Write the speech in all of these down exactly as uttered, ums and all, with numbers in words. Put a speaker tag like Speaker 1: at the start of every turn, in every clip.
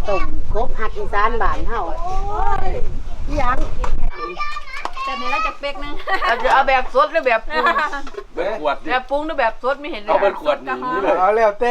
Speaker 1: ต้มกบหักอีสานบ้านเฮายัง
Speaker 2: แต่ในเราจะเป๊กนึง
Speaker 3: เราจะเอาแบบสดหรือแบบปรุง
Speaker 4: เป็นขวดดิ
Speaker 3: แบบปรุงหรือแบบสดไม่เห็นเลย
Speaker 4: เอาเป็นขวดนี่เลย
Speaker 5: เอาแล้วแต่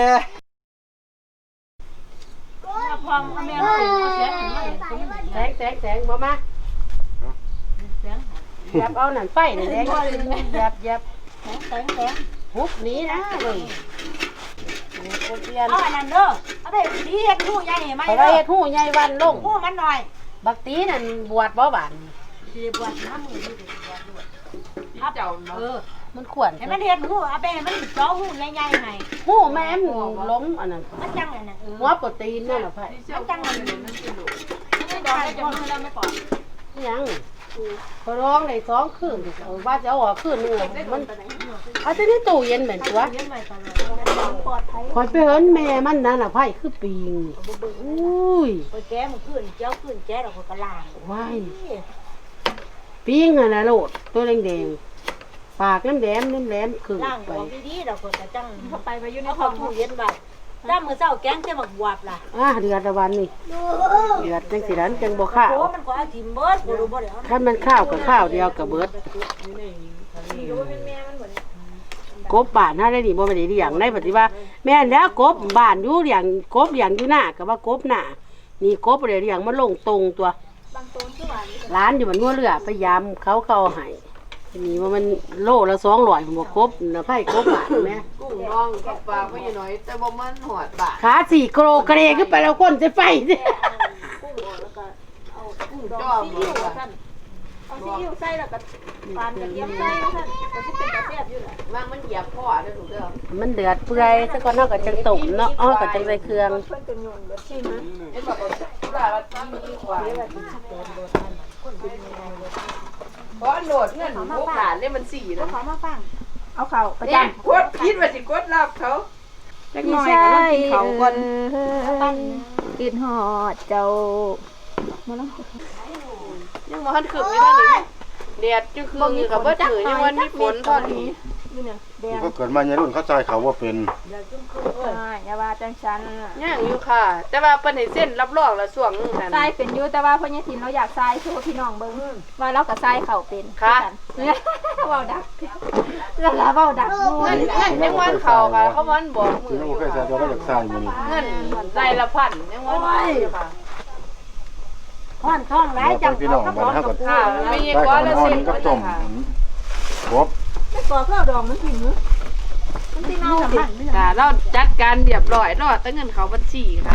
Speaker 2: พองแม่เราเอาแสงหันมา
Speaker 1: แสงแสงแสงบ่มา
Speaker 2: แสง
Speaker 1: หยับเอานั่นไฟนี่แดงหยับหยับ
Speaker 2: แสงแสงแสง
Speaker 1: ฮุบหนี้นะเบิ่งโอเพียน
Speaker 2: เอาอันนั้นเด้อเอาไปดีเฮ็ดหูใหญ่ไหม
Speaker 1: เขาได้เฮ็ดหูใหญ่วันลง
Speaker 2: หูมันหน่อย
Speaker 1: บักตีนั่นบวชบ่บาน
Speaker 2: สิบวชน้ำมือที่บวชด้วย
Speaker 3: เจ้าเนาะ
Speaker 2: เออ
Speaker 1: มันขวน
Speaker 2: ให้มันเฮ็ดหูเอาไปให้มันจ้อหูใหญ่ๆให้
Speaker 1: หูแม่มล้มอันนั้น
Speaker 2: มันจังอันนั้นเออ
Speaker 1: หัวโปรตีนนั่นน่ะไผ
Speaker 2: มันจังอันนั้นมันสิลูกไม่ดอกได้จังมือแล้วไม่ปล่อย
Speaker 1: ยังเขาร้องได้สองคืนเอาว่าจะเอาออกคืนนึงมันเอาแต่ในตู้เย็นเหมือนตัว
Speaker 2: เลี้ยงไว้ตลอดปลอดภัย
Speaker 1: คอยไปเห็นแม่มันนั่นน่ะไผคือปิงอุ้ย
Speaker 2: ไปแก้มันขึ้นเจ้าขึ้นแก้ดอกกระลาง
Speaker 1: ว้ายปิงอ่ะนะโลดตัวแดงๆปากแหลมๆแหลมๆคือ
Speaker 2: ล่าง
Speaker 1: ไป
Speaker 2: ออกดีๆดอกกระจังเข้าไปไปอยู่ในท้องตู้เย็นไว้ถ้ามื้อเช้าแกงจะมักบวบล่ะ
Speaker 1: อ่าเดือดละวันนี่เดือดจังสินั้นจังบ่ข้าว
Speaker 2: โอ้มันก็เอาทิ่มเบิดบ่รู้บ่ได้เอา
Speaker 1: ถ้ามันข้าวกับข้าวเดียวกับเบิด
Speaker 2: อยู่เป็นแม่มันเหมือน
Speaker 1: กบบ้านเฮาได้นี่บ่แม่นได้เลี้ยงในปฏิว่าแม่นแล้วกบบ้านอยู่เลี้ยงกบเลี้ยงอยู่หน้าก็ว่ากบหน้านี่กบบ่ได้เลี้ยงมันลงตรงตัว
Speaker 2: บางต้นคือว่า
Speaker 1: ร้านอยู่บนงัวเรือพยายามเขาเขาเอาให้นี่ว่ามันโลละสองร้อยผมบอกกบนะไผ่กบบ้านแม่
Speaker 3: กุ้งน้องกับปลาไว้หน่อยแต่บ่มันหอดบาท
Speaker 1: ขาสี่โกรกระเดขึ้นไปแล้วก้นจะไฟสิ
Speaker 2: กุ้งออกแล้วก็เอากุ้งดองซีอิ๊วว่าซั่นเอาซีอิ๊วใส่แล้วก็ปานกระเทียมใส่ว่าซั่นก็สิเป็นกระแซ่บอยู่ล่ะ
Speaker 3: ว่างมันเหยียบพ่อเด้อถูกเด้อ
Speaker 1: มันเดือดเปื่อยซะก่อนเฮาก็จังตุ่มเนาะอ้อก็จังใส่เครื่อง
Speaker 2: เพิ่นก็โยนเบิดชิมนะ
Speaker 3: เห็นบอกว่าว่ามันมีกว่า
Speaker 2: เดี๋ยวว่าสิสิโดนโดนนั่นคนเป็นยังไงเลย
Speaker 3: เพราะโหลดเงินโอกาสเนี่ยมันสี่
Speaker 2: เอา
Speaker 3: แล้ว
Speaker 2: เขามาฟังเอาเขาประ
Speaker 3: เนี่ย
Speaker 2: จำ
Speaker 3: กดคิดว่าสิกดรับเขาจักหน่อยก็ต้องกินเขาก่อน
Speaker 2: ปั้นกินหอดเจ้ามาแล้ว
Speaker 3: ยังบ่ทันขึ้นอยู่ด้านนี้แดดจังคืออยู่กับบ่ถือยังวันมีฝนตอนนี้
Speaker 2: นี่เนี่ยแดง
Speaker 5: ก็เกิดมาในรุ่นเขาใจเขาว่าเป็น
Speaker 2: ใช่อย่าว่าจังฉัน
Speaker 3: ย่างอยู่ค่ะ แต่ว่าเปิ้นให้เส้นรับรองละช่วงนั้น
Speaker 2: ทรายเป็นอยู่แต่ว่าพ่อใหญ่ถิ่นเราอยากทรายโชว์พี่น้องเบิ่งว่าเรากับทรายเขาเป็น
Speaker 3: ค่ะ
Speaker 2: เว้าดักแล้วล่ะเว้าดัก
Speaker 3: เงินเงินยังวันเขาค่ะเขาวันบอกมื
Speaker 5: ที่
Speaker 3: อ
Speaker 5: เรา
Speaker 3: อยู่
Speaker 5: เคยใส่ตัวเราจากใส่มานี่
Speaker 3: เงินรายละพันยังวันอยู่ค่ะ
Speaker 2: ท่อนท่องหลายจัง
Speaker 5: พี่น้องบ้านเฮาก็
Speaker 3: ค่ะไม่ยัง
Speaker 5: ได้
Speaker 3: ว่า
Speaker 5: ข้าว
Speaker 3: ละ
Speaker 5: อ่อ
Speaker 3: เส้
Speaker 5: น
Speaker 3: น
Speaker 5: กับต้มกบ
Speaker 2: ไม่ก่อข้าวดองมันกินมื้อมันสิเน่าสิ
Speaker 3: ค่ะเราจัดการเรียบร้อยรอดแต่เงินเขาบัญชีค่ะ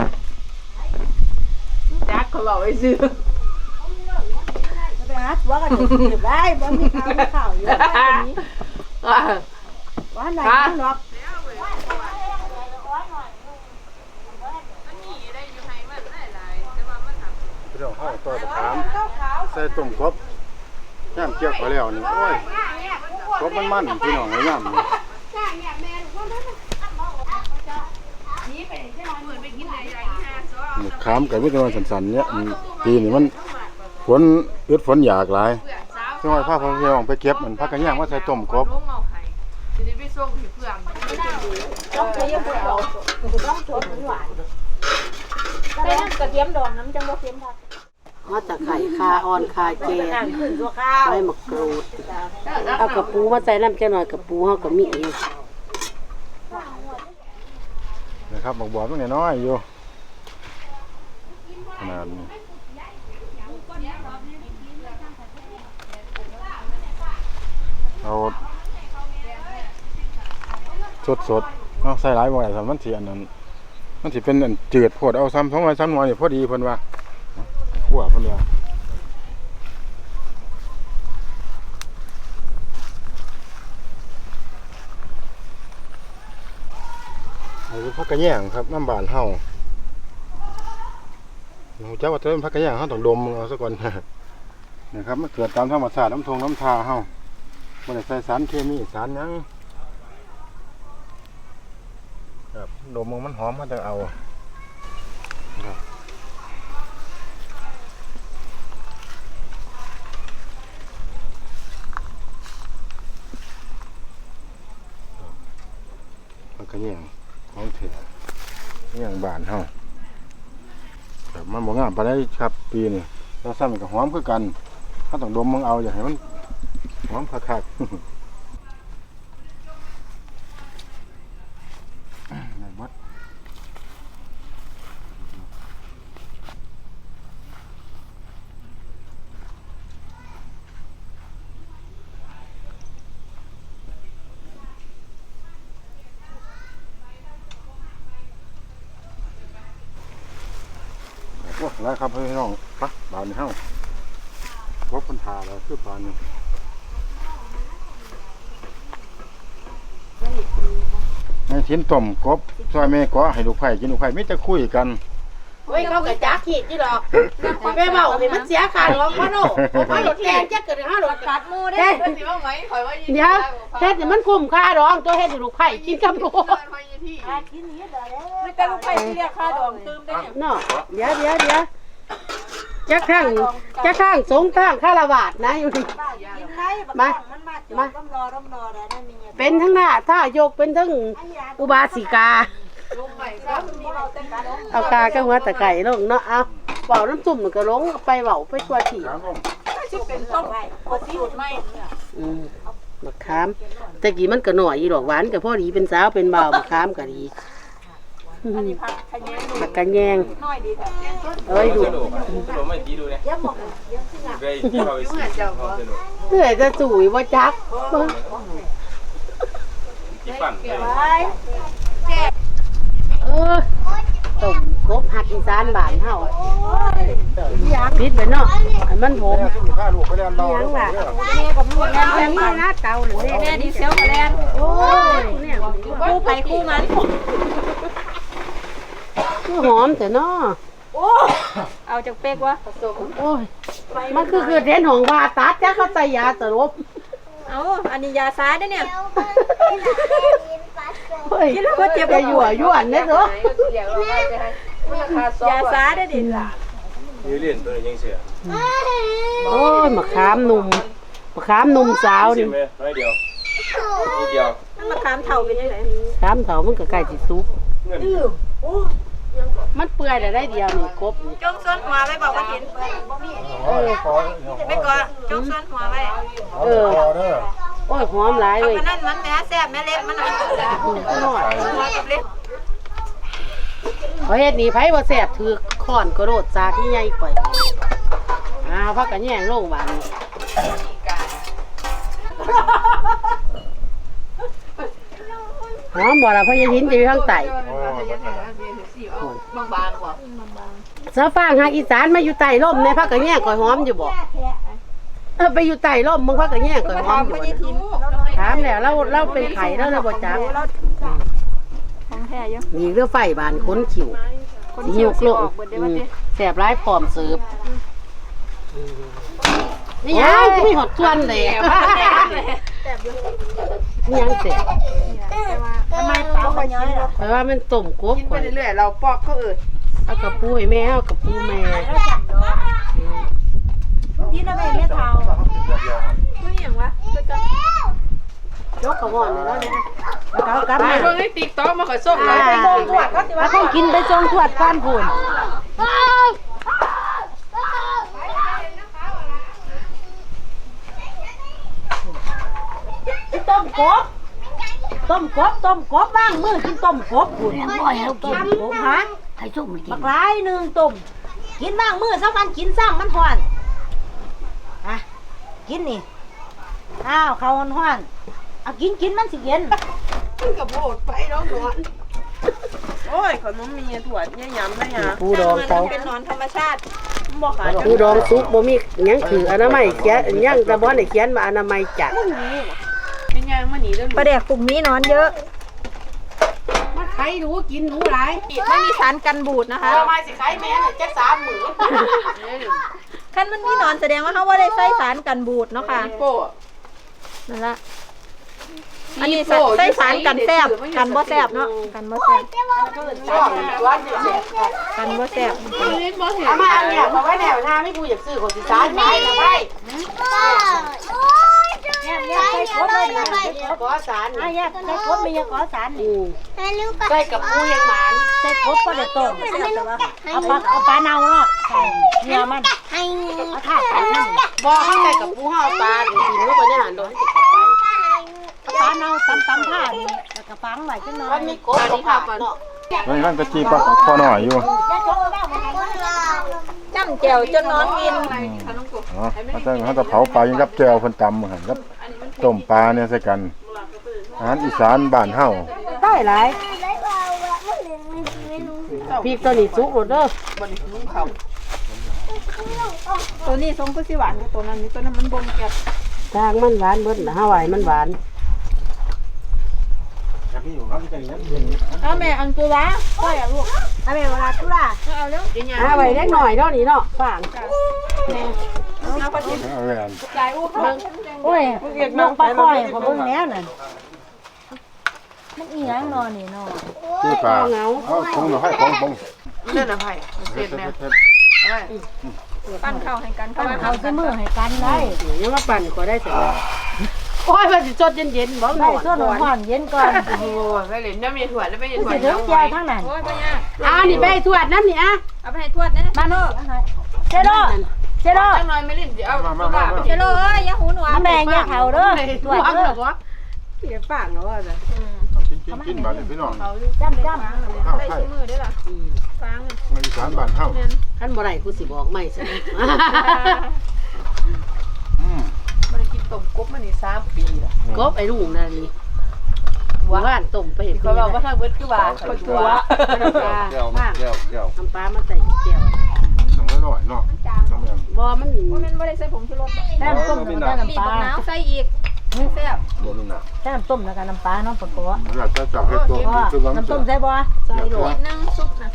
Speaker 3: จักเขาบอกไว้ซื้อ
Speaker 2: ไปหาตัวกันสิได้บ่มีข้าวมีข้าวอยู่ได้นี้
Speaker 3: อ่า
Speaker 2: ว่าไหนมันหรอก
Speaker 5: พี่น้องเฮาต่อตะขามใส่ต้มกบย่ำเกี่ยวเขาแล้วนี่โอ้ยกบมันมันพี่น้องเอ้ยย่ำนี่ขามกับวิตามินสันๆเนี่ยอืมปีนี้มันฝนอึดฝนอยากหลายช่วยพาพ่อพี่น้องไปเก็บมันพักกันย่างมาใส่ต้มกบ
Speaker 3: ลงเอาให้ทีนี้ไปส่งที่เพื่อน
Speaker 2: ต้องใช้ยังบ่เอาต้องสดหวานใส่น้ำกระเทียมดองน้ำจังบ่เค็มค่ะ
Speaker 1: ฮอดตะไคร้คาอ่อนคาเจ
Speaker 2: น้ำขึ้นตัวข้าว
Speaker 1: ใบมะกรูดเอากระปูมาใส่น้ำจังหน่อยกระปูเฮาก็มีอยู่
Speaker 5: นะครับบอกบอกตรงนี้น้อยอยู่ขนาดนี้เอาสดสดๆเอาใส่หลายบ่อยสามมันสิอันนั้นมันสิเป็นอันจืดโพดเอาซ้ำสองวันซ้ำหน่อยนี่พอดีเพิ่นว่าขั่วเพิ่นว่าอันนี้พักกระแยงครับน้ำบานเฮาเราจะว่าจะเป็นพักกระแยงเฮาต้องดมเอาซะก่อน นะครับมันเกิดตามธรรมชาติน้ำทงน้ำทาเฮาบ่ได้ใส่สารเคมีสารหยังครับดมมันหอมมันจะเอาครับพักกระแยงของเถื่อนอย่างบานเฮาครับมันบ่งามปานใดครับปีนี้แต่ซ้ำก็หอมคือกันถ้าต้องดมมึงเอาอย่าให้มันหอมคักๆได้หมดโอ้หลายครับพี่น้องปะบานนี้เฮาพบปัญหาแล้วคือปานนี้ในชิ้นต้มกบซอยแม่ก็ให้ลูกไผ่กินลูกไผ่มีแต่คุยกัน
Speaker 1: เฮ้ยเขาก็จักขีดนี่ดอกไปเว้าให้มันเสียค่าดอกพ่อโนพ่อโนแกงจักเกิดห้าดอก
Speaker 2: กัดหมูเด้
Speaker 1: เฮ็ดสิว่าไหมข่อยว่าเดี๋ยวเฮ็ดให้มันคุ้มค่าดอกตัวเฮ็ดให้ลูกไผ่กินกับลูก
Speaker 2: กินนี้เด้อไม่แต่ลูกไผ่ที่เรียกค่าดองตืมได้เนี่ย
Speaker 1: เนาะเดี๋ยวเดี๋ยวเดี๋ยวจะข้างจะข้างสงข้างคารวาสนะอยู่นี่
Speaker 2: กินได้บักมันมาจอดร่ำรอร่ำรอได้นั่นนี่
Speaker 1: เป็นทั้งหน้าท่ายกเป็นทั้งอุบาสิกา เอากาก็หัวตะไก่ลงเนาะเอาเป่าน้ำจุ่มมันก็ลงไปเป่าไปตัวถี่
Speaker 2: ที่เป็นต้มกดสูตรไม่
Speaker 1: อืมมะขามแต่กี้มันก็หน่อยอีดอกหวานก็พอดีเป็นสาวเป็นบ่าวมะขามก็ดี
Speaker 2: อันนี้ผักขยงดู
Speaker 1: ผักกระแยง
Speaker 2: น้อยดีแต่
Speaker 1: เอ้ยดู
Speaker 4: สนุกสนุกไม่ดีดูเนี่ย
Speaker 2: เยอะหมดเยอะขึ้นอ่ะ
Speaker 4: ได้ที่เราไปซื้อเขาสนุก
Speaker 1: เหนื่อยจะจุ๋ยว่าจัก
Speaker 4: ที่ปั่นเลย
Speaker 1: เออต้มกบหักอีสานบ้านเฮาพิษไปเนาะให้มันผม
Speaker 5: ข้าลูกไปเรียนเรา
Speaker 1: ยังล่ะ
Speaker 2: แม่กับลูกแม่
Speaker 1: แม่นี่นะเก่าหรือ
Speaker 2: แม่ดีเซลกับแลน
Speaker 1: โอ้ยเนี่ย
Speaker 2: คู่ไปคู่มัน
Speaker 1: คือหอมแต่เนาะ
Speaker 2: โอ้เอาจากเป๊กวะ
Speaker 1: โอ้ยมันคือคือเทนของว่าตัดจ้าเขาใส่ยาสลบ
Speaker 2: เอาอันนี้ยาซ้ายได้เนี่ย
Speaker 1: เฮ้ยก็เจ็บไปยั่วยั่วเนี่ยเถอะ
Speaker 2: ยาซ้ายได้ดิ
Speaker 4: ยืดเล่นตัวนี้ยังเสีย
Speaker 1: โอ้ยมะขามหนุ่มมะขามหนุ่มสาว
Speaker 4: ชิ
Speaker 1: นี่
Speaker 4: มไหมน้อยเดียวนิดเดียว
Speaker 2: มันมาขามเถ่าเป็นยังไง
Speaker 1: ขามเถามันก็ใกล้สิสุก
Speaker 4: เงิน
Speaker 1: มันเปื่อยได้เดียวนี่กบนี่
Speaker 2: จงส้นหัวไว้บอกว่าเห็น
Speaker 5: เออขอ
Speaker 2: ไม่ก่อนจงส้นหัวไว้
Speaker 1: เออ
Speaker 5: ขอเด้อ
Speaker 1: โอ้ยหอมหลาย
Speaker 2: เอา
Speaker 1: เว้ย
Speaker 2: ไปนั่นมันแม่แซ่บแม่เล็กมันหน่อย
Speaker 1: หน่อย
Speaker 2: หัวกับเล็ก
Speaker 1: เอาเฮ็ดนี่ไผบ่แซ่บถือค้อนกระโดดซากใหญ่ๆก่อยอ้าวพักกันแย่งโรงบาลหอมบ่ล่ะเพราะยายหินจะอยู่ทางใต้
Speaker 3: บางๆกว่า
Speaker 1: สะฟางหาอีสานมาอยู่ใต้ร่มในพักกันแย่งก่อยหอมอยู่บ่เออไปอยู่ใต้ร่มมึงพักกันแย่งก่อยหอมอยู่บ่ถามแล้วเราเราเป็นไข่แล้วเราบ่จัก
Speaker 2: ของแท้ยัง
Speaker 1: มีเรือไฟบานค้นขิวสิยกโลกอืมแสบร้ายพร้อมเสิร์ฟนี่ยังจะมีหดชวนเลยนี่ยังเสร็จ
Speaker 2: ทำไมเปล่าคนย้อยล่ะ
Speaker 1: เพราะว่ามันต้มกบ
Speaker 3: กินไปเรื่อยๆเราปอกเขาเอิด
Speaker 1: เอากระปูให้แม่เอากระปูแม่
Speaker 2: พี่น่ะแม่ไม่เท่าคืออย่างวะคือจะ
Speaker 1: ยกกระหม่อนเลยแล้วเนี่ยเขากลับ
Speaker 3: ไป
Speaker 1: มา
Speaker 3: เบิ่งในติ๊กต็อกมาขอส่งเลย
Speaker 1: ไปส่งทวดเขาต้องกินไปส่งทวดก้านพูนต้มกบต้มกบต้มกบบ้างมือกินต้มกบพูน
Speaker 6: บ่อยแล้วกิน
Speaker 1: กบฮะ
Speaker 6: ให้ส้มมันกิ
Speaker 2: บั
Speaker 6: น
Speaker 2: กร้ายหนึ่งตุ่มกินบ้างมือสักวันกินซ้ำมันห่อนอ่ะกินนี่อ้าวเขาห่อนห่อนเอากินกินมันสิเย็น
Speaker 3: กับโบดไปแล้วหนอนโอ้ยขนมมีถั่วเนี่ยยำนะยา
Speaker 1: ปูดองเขา
Speaker 2: เป็นหนอนธรรมชาติ
Speaker 3: บ่ขาย
Speaker 1: ปูดองซุปบ่มีหยังคืออนามัยเขียนหยังแต่บ่ได้เขียนมาอนามัยจัด
Speaker 3: เป็นยังมาหนีแล้ว
Speaker 2: ปลาแดกกลุ่มนี้นอนเยอะ
Speaker 1: มันใครรู้กินรู้หลาย
Speaker 2: ไม่มีสารกันบูดนะคะ
Speaker 1: อนามัยสิใครแม่น่ะจักสามหมื่น
Speaker 2: คันมันมีหนอนแสดงว่าเขาว่าได้ใส่สารกันบูดเนาะค่ะ
Speaker 3: โป้
Speaker 2: นั่นละอันนี้ใส่สารกันแซบกันบ่แซบเนาะกันบ่แซบกันบ่แซบ
Speaker 1: เอามาเนี่ยเอาไว้แนวหน้าไม่กูอยากซื้อคนสิสานไปเอาไว้
Speaker 6: โอ้ย
Speaker 2: แยกแยกใส่กดเลยนะ
Speaker 1: ขอสาร
Speaker 2: อ่ะแยกใส่กดมีอย่าขอสาร
Speaker 1: อื
Speaker 2: นี่
Speaker 1: มใส่กับปูยังหมาน
Speaker 2: ใส่กดก็ได้ต้มเอาปลาเอาปลาเน่าเนาะใส่เนื้อมันเอาถาดใส่มัน
Speaker 1: บ่ข้างในกับปูห่อปลากินลูกไปเนี่ยหันโดนติดกับไป
Speaker 2: ปลาเน่าตำตำผ้านี่แล้วก็ฟังไว้จังหน่อ
Speaker 1: มั
Speaker 2: ย
Speaker 1: นมีกบของผักเนาะ
Speaker 5: มันนั่นก็จีปลาพอหน่อยอยู่
Speaker 2: จ้ำแจ่วจนนอนกิน
Speaker 5: อ๋อเขาจะเขาจะเผาปลายังกับแจวเพิ่นตำเหมือนกับต้มปลาเนี่ยใส่กันอาหารอีสานบ้านเฮา
Speaker 2: ได้หลาย
Speaker 1: พริกตัวนี้สุกหมดเด้อ
Speaker 3: ตัวนี้ทรงก็สิหวานกว่าตัวนั้นนี่ตัวนั้นมันบ่มแก่
Speaker 1: ทางมันหวานเบิดนะฮาวายมันหวาน
Speaker 3: เอาแม่อังตัวละก็อยากลูก
Speaker 2: เอาไปเวลาทุล่า
Speaker 3: เอาเร็วเดี๋ยว
Speaker 1: ฮาวายเล็กหน่อยเนาะนี่เนาะฝาง
Speaker 3: เอาไปกิน
Speaker 5: เอาแหวน
Speaker 3: ใจอู้เบิ่ง
Speaker 2: โอ้ยน้องปลาคอยของเบิ่งแล้วนั่นมันอีหยังนอนนี่นอน
Speaker 5: จีปลาเอาคงหน่อยของของ
Speaker 3: นั่นน่ะไผเสร็จแล้วเอาไว้ปั้นข้าวให้กัน
Speaker 2: ตั้งเขาซื้อมือให้กันได้
Speaker 1: ยังมาปั่นก็ได้แต่โอ้ยว่าสิสดเย็นๆบ่หน
Speaker 2: ได้
Speaker 1: อน
Speaker 2: ส่วนห่อนเย็นก่อน
Speaker 3: โอ้ไปเล่นน้ำมีถั่วแล้วไปเล่นถั่ว
Speaker 2: สิถึงแจ่วทั้งนั้น
Speaker 3: โอ้ยบ่ยาก
Speaker 1: อ่านี่ไปทวดน้ำนี่อ่ะ
Speaker 3: เอาไปให้ทวดนะ
Speaker 2: มาโน่เชโดเชโด
Speaker 3: จังหน่อยไม่เล่นเดี๋ยวเอา
Speaker 5: มามา
Speaker 3: ตัว
Speaker 5: มา
Speaker 3: ละไปเชโลเอ้ยอย่าหูหนวก
Speaker 2: แม่เนี่ยเขาเด้อตรวจเด้อ
Speaker 1: เดี๋ยวฝางเนาะว่าจะ
Speaker 5: กินกินกินบ้านพี่น้อง
Speaker 2: จ้ำจ้
Speaker 5: ข้าว
Speaker 3: ได้
Speaker 5: ไข่
Speaker 3: ชิ้นมือได้ล่ะฟัง
Speaker 5: อีสานบ้านเฮา
Speaker 1: คันบ่ได้กูสิบอกไม่สิ
Speaker 5: อืม
Speaker 3: มันกินต้มกบมานี่สามปีแล้ว
Speaker 1: กบไอ้ลุงนั่นนี่ว่านต้มไปเห็น
Speaker 3: เขาบอกว่าทางเบิดคือว่าคนตัว
Speaker 4: แก้วแก้วแก้ว
Speaker 1: ทำปลามาใส่แก้ว
Speaker 5: ต้องอร่อยเนาะต้องแบบ
Speaker 1: บ่มัน
Speaker 3: ว่ามันไม่ได้ใส่ผงชูรส
Speaker 2: ำแต้มต้มแล้วก็น้ำ
Speaker 3: ปี
Speaker 2: ป
Speaker 3: บั
Speaker 2: ลาก
Speaker 3: น้ำใส่อีกแซ่บ
Speaker 4: บ่มีน่ะ
Speaker 2: แต้มต้มแล้วก็น้ำปลาเนาะปะโกะ
Speaker 5: อยากจะจับให้ตัวคือว่า
Speaker 2: น้ำต้มใส่บ่
Speaker 3: ใส่หลวดนึงซุปนะ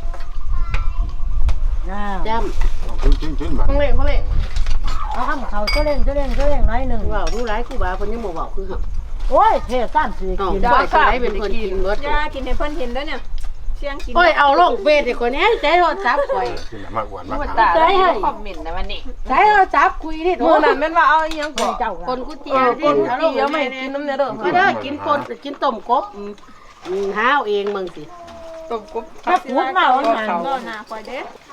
Speaker 2: อ่า
Speaker 1: จ้
Speaker 5: กินกินกินบ้าน
Speaker 3: ข้างเล่งข้างเล่ง
Speaker 2: เอาข้ามเขาเจ้าเล่งเจ้าเล่งเจ้าเล่งน้อยหนึ่ง
Speaker 1: ำว่ารู้หลายกูบ่าเพิ่นยังบ่เว้าคือเฮา
Speaker 2: โอ้ยเทสามสี่
Speaker 1: อ๋อ
Speaker 2: กิน
Speaker 1: บ่สิได้เป็นคนกินเบิด
Speaker 3: ยากินให้เพิ่นเห็นด้วยเนี่ยเชียงกิน
Speaker 1: โอ้ยเอาลงเฟซให้คนนี้ใจโทรศัพท์ข่อย
Speaker 5: กินมากหวานมาก
Speaker 3: มันตาได้คอมเมนต์นะวันนี้
Speaker 1: ใจโทรศัพท์คุยนี่โทร
Speaker 3: เมื่อนั้นแม่นว่าเอาอีหยัง
Speaker 2: คนเจ้า
Speaker 1: ค
Speaker 2: ละ
Speaker 1: นกูเจียวที่เอาลง
Speaker 3: เดี๋ยวไม่กินน้ำเนื้อเด้อ
Speaker 1: ก็ได้กินปนกินต้มกบอืมอืมหาเอาเองมึงสิ
Speaker 3: ต้มกบ
Speaker 2: ถ้าพูดมาว่าหนัง
Speaker 3: ก็น่าคอยเด้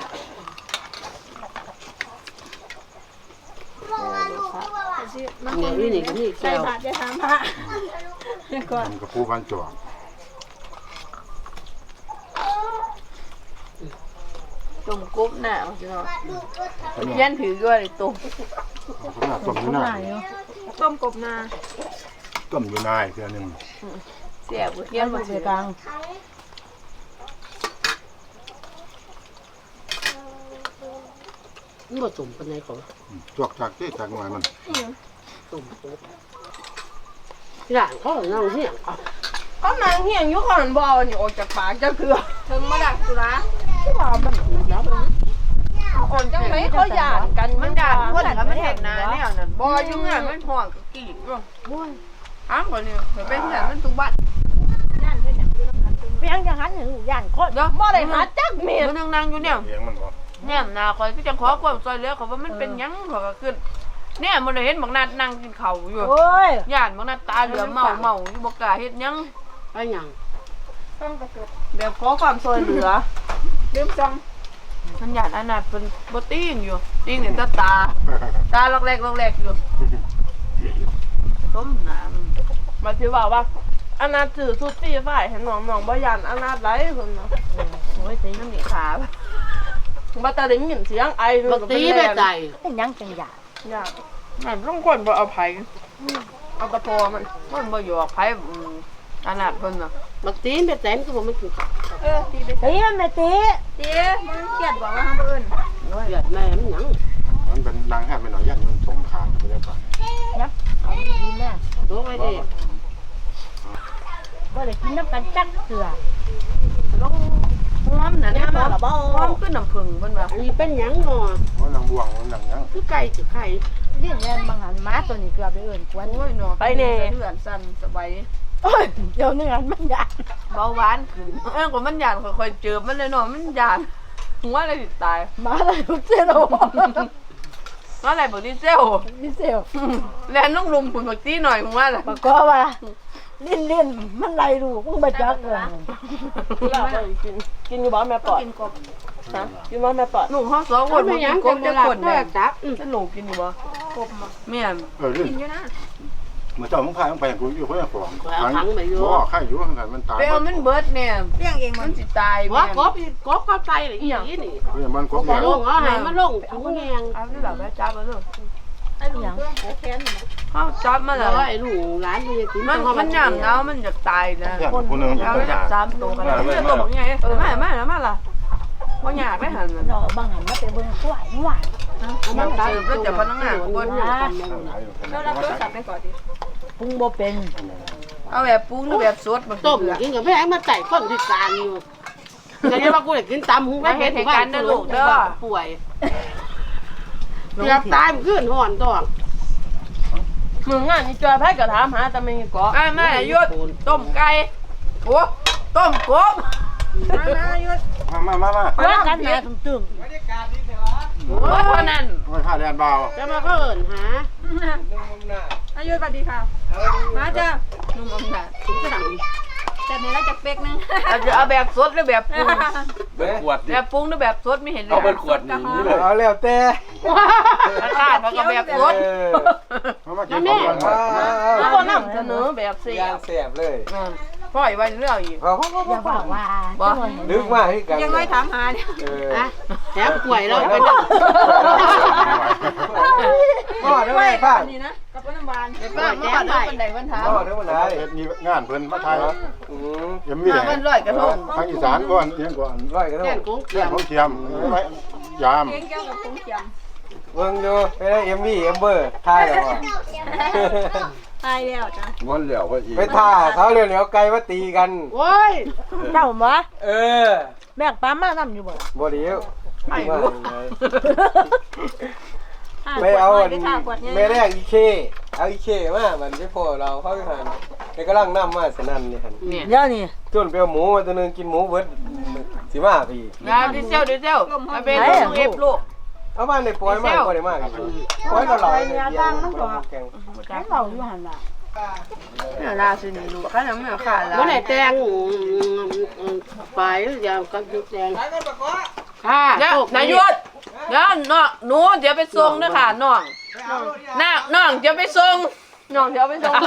Speaker 1: นี่นี่นี่ก็นี่
Speaker 3: ใส่
Speaker 1: แก้ว
Speaker 3: บาตรจะถามพระก่อน
Speaker 5: ทำกระปูพันจวง
Speaker 3: ต้มกบน่ะพี่น้องเย็นถือด้วยต้ม
Speaker 5: ขนาดต้มอยู่นาย
Speaker 3: ต้มกบนา
Speaker 5: ต้มอยู่นายเพื่อนึง
Speaker 3: เสียบเทีย
Speaker 2: เยี่ย
Speaker 3: น
Speaker 2: ม
Speaker 3: บ่
Speaker 2: เสี
Speaker 3: เสี
Speaker 2: ย
Speaker 3: ย
Speaker 2: กลาง
Speaker 1: มันบ่สมปานใดของ
Speaker 5: จวกจากที่จากหน่วยมัน
Speaker 1: ต้มกบหลานเขาเอาน้องเฮียงเอา
Speaker 3: ก็นางเฮียงอยู่ข้างนั้นบ่เอานี่ออกจากปากจังคือถึงมาดักตุลาที่ว่ามันแล้วอ่อนจังไดเขาหยาดกันมันหยาดคนก็มันเฮ็ดนาแนวนั้นบ่อยู่งานมันฮ้องก็กรีดอยู่โอ้ยอ้างบ่นี่เป็นแถมมันตุบัด
Speaker 2: เพียงจะหันถึงย่านโคตร
Speaker 3: เดี๋ยวบ่ได้หาจักเม็ดมันนั่งอยู่เนี่ย
Speaker 5: เลี้ยงมันบ่
Speaker 3: แน่หน้าคอยก็จังขอความช่วยเหลือเขาว่ามันเป็นหยังเขาก็ขึ้นเนี่ยมันเห็นบักนัดนั่งกินข้าวอยู่
Speaker 2: โอ้ย
Speaker 3: ย่านบักนัดตาเหลือเมาเมาอยู่บ่กล้าเฮ็ดหยัง
Speaker 1: ไปหยัง
Speaker 3: เดี๋ยวขอความช่วยเหลือลืมจังมันย่านอนาถเพิ่นบ่ติ้งอยู่ติ้งเนี่ยตาตาตาลอกแรกลอกแรกอยู่ต้มน้ำมาสิว่าว่าอนาถถือสุดตีฝ่ายเห็นน้องๆบ่ย่านอนาถไหลเพิ่นเนาะโอ้ยตีน้ำนี่ขาบ่ตาได้ยินเสียงไอ
Speaker 1: บักตีไปใจ
Speaker 2: เป็นยังจังหยาด
Speaker 3: ยากมันต้องคนบ่เอาไผเอาตะโพมันมันบ่อยู่กับไผอืมอนาถเพิ่นน่ะ
Speaker 1: บักตีไปใจมันก็บ่มันกินข้าว
Speaker 3: เออตีไป
Speaker 2: ตีมันไม่ตี
Speaker 3: ตีมันเครียดบอกว่าห้ามเอิ้น
Speaker 1: เดือดแม่มันหยัง
Speaker 5: มันเป็นนางแห่ไม่หน่อยยันมันส่งขาดไปแล้วป่ะ
Speaker 2: ยับเอาไปกินแม่
Speaker 1: โตไว้ดิ
Speaker 2: ก็เลยกินน้ำกันจักเสือ
Speaker 3: ต้องหอมน่ะน้ำหอมขึ้นน้ำผึ้งเพิ่นว่า
Speaker 1: อันนี้เป็นหยังเนาะ
Speaker 5: ว่านางบวงว่านางยัง
Speaker 1: คือไก่สิไข่
Speaker 2: เรียกแม่บางหันม้าตัวนี้เกือบไปเอื่นกวน
Speaker 3: โอ้ยเนาะไปแน่เดือนสั่นสบาย
Speaker 2: โอ้ยเดี๋ยวนี้มันยาก
Speaker 3: เบาหวานขึ้นเออก็มันหยาดค่อยๆเจอมันเลยเนาะมันหยาดหัวเลยสิตาย
Speaker 2: ม้าเลยทุกเส้นโอ้
Speaker 3: ตว่าอะไรบอกดีเซล
Speaker 2: ดิเซล
Speaker 3: แลนต้องลุมผุนบักตี้หน่อยมึงว่าล่ะ
Speaker 2: ปก็ว่าลิ้นลิ้นมันไหลลูกมึงบ่จักเลย
Speaker 6: กินกินอยู่บ้านแม่ปอดกินกบฮะกินบ้านแม่ปอด
Speaker 3: หนูห้องสองคน
Speaker 1: ไม่
Speaker 3: มัน
Speaker 1: ยั
Speaker 3: กิ
Speaker 1: ง
Speaker 3: นกบจะคน
Speaker 1: แม่
Speaker 3: แม่
Speaker 1: จับ
Speaker 3: จะหนูกินอยู่บ่กบแม่น
Speaker 5: เออกินอยู่นะเมื่อเจ้ามึงพามึงไปกูอยู่เพื่อนของบ่ข้าอยู่ข้างกันมันตาย
Speaker 3: ไปเอามันเบิดเนี่ยเลี้ยงเองมันสิตาย
Speaker 1: ว่ากบกบเข้าไปเลยอีนี่นี่
Speaker 5: เพื่อนมันก็
Speaker 1: บ่ลงเอาให้มันลงถุงแหง
Speaker 3: เอาที่หลับแล้วจับมาเลย
Speaker 2: ไอ้หยัง
Speaker 3: เขาจับมาแล้ว
Speaker 1: ร้อยลูกหลานมันจะกิน
Speaker 3: มันมันยามหนาวมันอยากตายนะ
Speaker 5: เพื่อนผู้นึง
Speaker 3: เอาจากสามตัวกันแล้วเพื่อนตัวบอกไงเออมามาแล้วมาล่ะบ่อยากได้หัน
Speaker 2: ดอกบางหันมาไปเบิ่งกล้วยหวาน
Speaker 3: มันเสิร์ฟแล้วจะพนักงานบ่
Speaker 6: แล้วรับโทรศัพท์ไปก่อนดิ
Speaker 2: ปรุงบ่เป็น
Speaker 3: เอาแบบปรุงหรือแบบสดบ่
Speaker 1: ต้มกินกับแม่มาใส่คนพิการอยู่แต่เนี่ยว่ากูได้กินตำหุงไม่เผ็ดป่วยเกือบตายมันขึ้นห่อนตัว
Speaker 6: มึงอ่ะนี่จอยไพ่กับถามหาแต่ไม่เกาะ
Speaker 3: อ่ามาหยุดต้มไก่โอ้ต้มกบมามาหยุด
Speaker 5: มามามามา
Speaker 2: เพื่อกันนะตึง
Speaker 3: โอ้เท่านั้น
Speaker 5: ไม่พาแลนเบา
Speaker 1: จะมาเขาเอิญหา
Speaker 6: อายุสวัสดีค่ะมาจ้า
Speaker 3: นุ่มอำนาจ
Speaker 1: สั่ง
Speaker 6: แต่ในร้านจะเป๊กนึง
Speaker 3: เอาจะเอาแบบสดหรือแบบปรุง
Speaker 4: เบิดขวด
Speaker 3: แบ
Speaker 4: นี่
Speaker 3: บปรุงหรือแบบสดไม่เห็นเล
Speaker 4: เอา
Speaker 3: ย
Speaker 4: เบิดขวดนี่นี่เลย
Speaker 7: เอาแล้วแต่
Speaker 3: ราคามันก็แบบสด
Speaker 7: เออ
Speaker 5: มามากินก่อน
Speaker 6: แล้วก็นำเสนอแบบเสีย
Speaker 7: ยางแสบเลย
Speaker 3: ปล่อยไว้เรื่องอีก
Speaker 7: เอา
Speaker 2: อย่าบอกว่า
Speaker 7: ลึกมากที่กัน
Speaker 6: ยังไม่ถามหาเนี่ย
Speaker 7: เออ
Speaker 1: อะแถมป่วยแล้วไปนั่ง
Speaker 7: พ่อเด้อแม่ป้า
Speaker 6: นี่นะกับน้ำหวาน
Speaker 3: ป้ามาบ้านบันไดบันทา
Speaker 7: พ่อเด้อมันไหน
Speaker 5: เฮ็ดมีงานเพิ่นมาไทย
Speaker 7: อืม
Speaker 5: ยังมี
Speaker 3: มาบ้านร้อยกระทง
Speaker 5: ทางอีสานก่อนเอียงก่อน
Speaker 7: ร้อยกัน
Speaker 1: แก่
Speaker 7: เนาะ
Speaker 1: นของเกี
Speaker 5: เรื่
Speaker 1: ย
Speaker 5: อง
Speaker 1: ม
Speaker 5: ของเทียมไว้ยาม
Speaker 6: เก่งแก้วกับคงเจียม
Speaker 7: เบิ่งอยู่ไปได้เอ็มวีเอ็มเบอร์ถ่ายแล้วบ่
Speaker 6: ตายแล้วจ้ะ
Speaker 4: มันเหลียวก็อีก
Speaker 7: ไปท่าเขาเร็วๆไกลมาตีกัน
Speaker 1: โอ้ย
Speaker 2: เจ้าบ่
Speaker 7: เออ
Speaker 2: แบกปลามานำอยู่บ่
Speaker 7: บ่เดียว
Speaker 3: ไม่รู้
Speaker 7: ไม่เอา
Speaker 6: อั
Speaker 7: อั
Speaker 6: น
Speaker 7: น
Speaker 6: นี้ค่ะขวดนี้
Speaker 7: ไม่แรกอีเคเอาอีเคมามันที่พ่อเราเข้าไปหันไปกำลังนำมาสนั่นนี่หั่น
Speaker 3: เนี่ย
Speaker 2: เดี๋ยวนี้
Speaker 7: จนไปเอาหมูมาตัวนึงกินหมูเบิดสิมาพี่
Speaker 3: งานดิเซลดิเซลมาเป็นลูกเอฟลูก
Speaker 7: เอาบ้านในปล่อยมากปล่อยมากปล่อยเราเราเนี่ยแกง
Speaker 2: ให้เราอยู่หั่นล่ะ
Speaker 3: เนี่ยลาสินี่ลูกข้าน้ำเนื้อขาดแล้ว
Speaker 1: เมื่อไหร่แตงไปอย่ากันแตงค่ะ
Speaker 3: เดี๋ยวนายุดเดี๋ยวน้องหนูเดี๋ยวไปส่งนะค่ะน้องน้าน้องเดี๋ยวไปส่งน้องเดี๋ยวไปส่ง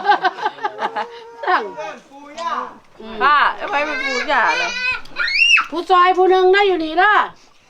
Speaker 1: สั่ง
Speaker 3: ป้าเอาไปเป็นปูจ่าเลย
Speaker 1: ผู้ซอยผู้หนึ่งนะอยู่นี่ละ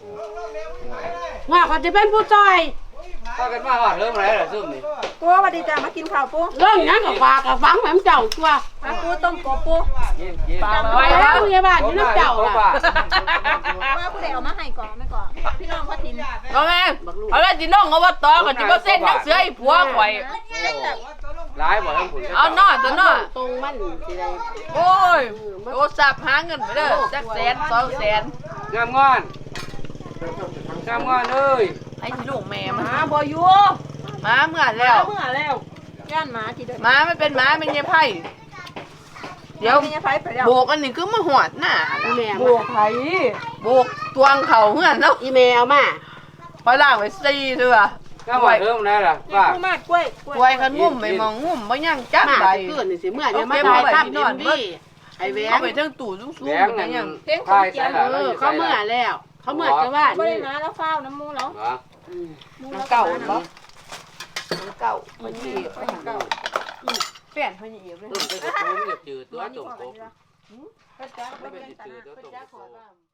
Speaker 1: ว่าเขาจะเป็นผู้ซอย
Speaker 4: ถ้ากันมาว่าเริ่มอะไรล่ะซุ่มนี่
Speaker 6: ปูสวัสดีจ้ามากินข้าวปู
Speaker 1: เรื่องนั้นกับฝากกับฟังแม่เจ้าตัว
Speaker 6: มาปูต้มกบปู
Speaker 4: กินกิน
Speaker 1: ไปแล้วพยาบาลอยู่น้ำเจ้าล่ะ
Speaker 6: ว่าผู้ใดเอามาให้ก่อนไม่ก่อนพี่น้องพ่อทิน
Speaker 3: น้องแม่เอาละจีน้องเอาว่าต่อกับจีบเส้นนักเสือไอ้ผัวข่อย
Speaker 4: ร้ายบ่ทั้งผุน
Speaker 3: เอาหน้าตัวหน้า
Speaker 1: ตรงมันสิได้
Speaker 3: โอ้ยโทรศัพท์หาเงินไปเด้อจักแสนสองแสน
Speaker 4: งามงอนงามงอนเอ้ย
Speaker 3: ไอ้ที่ลูกแม่มัน
Speaker 6: มาบ่อยู่
Speaker 3: มาเมื่อแล้ว
Speaker 6: เมื่อแล้วย่านหมาที่เดิน
Speaker 3: หมาไม่เป็นหมาเป็นยายไพ่เดี๋ยว
Speaker 6: มีไฟไปแล้ว
Speaker 3: โบกอันนี้คือมาหอดหน้า
Speaker 1: อีแม่
Speaker 6: บวกไผ
Speaker 3: โบกตวงเข่าเฮือนเนาะ
Speaker 1: อีแม่เอามา
Speaker 3: พอล่างไว้สี่เถื่อ
Speaker 4: งามว่าเริ่มแล้วล่ะ
Speaker 6: นี่
Speaker 4: ว่า
Speaker 6: ปูมากกล้วย
Speaker 3: ไว้กันงุ่มไม่มองงุ่มบ่ยังจัก
Speaker 1: มา
Speaker 3: ใด
Speaker 1: จะขึ้นนี่สิเมื่อเนี่ยมาถ่ายภาพดินดีไอ้แหว
Speaker 3: เอา
Speaker 1: ง
Speaker 3: ไปทั้งตู้ซุ้ง
Speaker 4: แด
Speaker 3: ๆ
Speaker 4: ง
Speaker 3: แต่
Speaker 4: นั่น
Speaker 3: ยัง
Speaker 4: ทายใส่ละ
Speaker 1: เออเขาเมื่อแล้ว เขาเมื่อจะว่า
Speaker 6: บ่
Speaker 1: นี่
Speaker 6: ได้มาแล้วฟ้าวน้ำมูแล้ว
Speaker 4: เหรอ
Speaker 3: น้ำเก่าบ่น้ำเก่ามันยี่เก่าเปลี่ยนเพิ่นยี่เลย
Speaker 4: เออไปกับผมเนี่ยจืดตัวจมกบ
Speaker 6: ก็จะ
Speaker 4: ไม่เป็นจืดตัวจมกบ